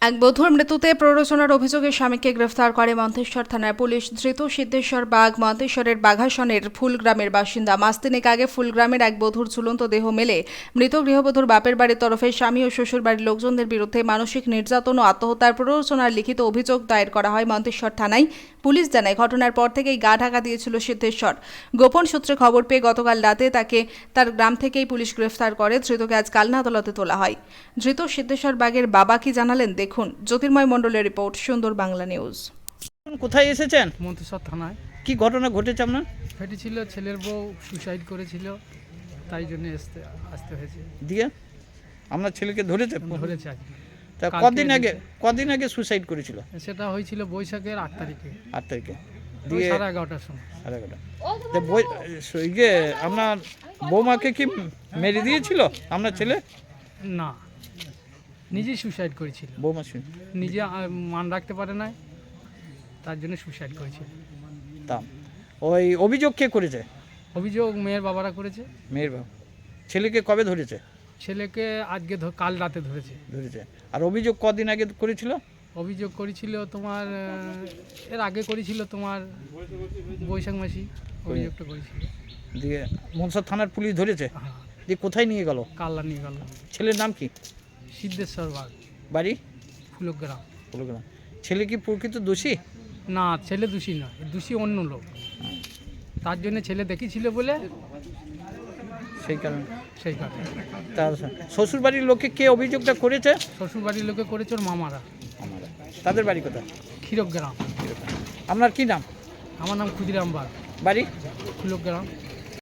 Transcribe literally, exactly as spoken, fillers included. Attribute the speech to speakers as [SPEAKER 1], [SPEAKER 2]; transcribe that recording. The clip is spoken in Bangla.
[SPEAKER 1] এক বধূর মৃত্যুতে প্ররোচনার অভিযোগে স্বামীকে গ্রেফতার করে মন্তেশ্বর থানার পুলিশ। ধৃত সিদ্ধেশ্বর বাগ মন্তেশ্বরের বাঘাসনের ফুলগ্রামের বাসিন্দা। মাস তিনেক আগে ফুলগ্রামের এক বধূর ঝুলন্ত দেহ মেলে। মৃত গৃহবধূর বাপের বাড়ির তরফে স্বামী ও শ্বশুর বাড়ির লোকজনদের বিরুদ্ধে মানসিক নির্যাতন ও আত্মহত্যার প্ররোচনার লিখিত অভিযোগ দায়ের করা হয় মন্তেশ্বর থানায়। পুলিশ জানায়, ঘটনার পর থেকেই গা ঢাকা দিয়েছিল সিদ্ধেশ্বর। গোপন সূত্রে খবর পেয়ে গতকাল রাতে তাকে তার গ্রাম থেকেই পুলিশ গ্রেফতার করে। ধৃতকে আজ কালনা আদালতে তোলা হয়। ধৃত সিদ্ধেশ্বর বাগের বাবা কি জানালেন দেখুন। জ্যোতির্ময় মণ্ডলের রিপোর্ট, সুন্দর বাংলা নিউজ।
[SPEAKER 2] কোথায় এসেছেন?
[SPEAKER 3] মন্তেশ্বর থানায়।
[SPEAKER 2] কি ঘটনা ঘটেছে আপনার?
[SPEAKER 3] ফেটেছিল, ছেলের বউ সুসাইড করেছিল, তাই জন্য আসতে আসতে হয়েছে।
[SPEAKER 2] দিয়ে আপনার ছেলেকে ধরেছে?
[SPEAKER 3] ধরেছে আজকে।
[SPEAKER 2] তা
[SPEAKER 3] কালকে
[SPEAKER 2] কদিন আগে
[SPEAKER 3] ধরেছে।
[SPEAKER 2] কদিন আগে সুসাইড করেছিল?
[SPEAKER 3] সেটা হয়েছিল বৈশাখের আট তারিখে,
[SPEAKER 2] আট তারিখে।
[SPEAKER 3] ওই
[SPEAKER 2] দিয়ে
[SPEAKER 3] সাড়ে এগারোটার সময়।
[SPEAKER 2] সাড়ে এগারোটা। তা বই- ইয়ে আপনার বৌমাকে কি মেরে দিয়েছিল আপনার ছেলে?
[SPEAKER 3] না, নিজেই সুসাইড করেছিল।
[SPEAKER 2] বৌমা শুনে
[SPEAKER 3] নিজে আহ, মান রাখতে পারে না, তার জন্য সুসাইড করেছিল।
[SPEAKER 2] তা ওই অভিযোগ কে করেছে?
[SPEAKER 3] অভিযোগ মেয়ের বাবারা করেছে।
[SPEAKER 2] মেয়ের বাবা। ছেলেকে কবে ধরেছে?
[SPEAKER 3] ছেলেকে আজকে ধ- কাল রাতে ধরেছে।
[SPEAKER 2] ধরেছে। আর অভিযোগ কদিন আগে করেছিল?
[SPEAKER 3] অভিযোগ করেছিল তোমার আহ, এর আগে করেছিল তোমার বৈশাখ মাসি অভিযোগটা করেছিল।
[SPEAKER 2] দিয়ে মনসা থানার পুলিশ ধরেছে।
[SPEAKER 3] হ্যাঁ,
[SPEAKER 2] দিয়ে কোথায় নিয়ে গেল?
[SPEAKER 3] কাল্লা নিয়ে গেল।
[SPEAKER 2] ছেলের নাম কি?
[SPEAKER 3] সিদ্ধেশ্বর বাগ,
[SPEAKER 2] বাড়ি?
[SPEAKER 3] ফুলগ্রাম।
[SPEAKER 2] বললাম ছেলে কি প্রকৃত দোষী?
[SPEAKER 3] না, ছেলে দোষী নয়, দোষী অন্য লোক। তার জন্য ছেলে দেখেছিল বলে
[SPEAKER 2] সেই কারণে।
[SPEAKER 3] সেই কারণে
[SPEAKER 2] তার শ্বশুর বাড়ির লোকে কে অভিযোগটা করেছে?
[SPEAKER 3] শ্বশুর বাড়ির লোকে করেছে ওর মামারা।
[SPEAKER 2] আমরা। তাদের বাড়ি কোথায়?
[SPEAKER 3] ক্ষীরগ্রাম।
[SPEAKER 2] আপনার কি নাম?
[SPEAKER 3] আমার নাম ক্ষুদিরাম বাগ,
[SPEAKER 2] বাড়ি?
[SPEAKER 3] ফুলগ্রাম।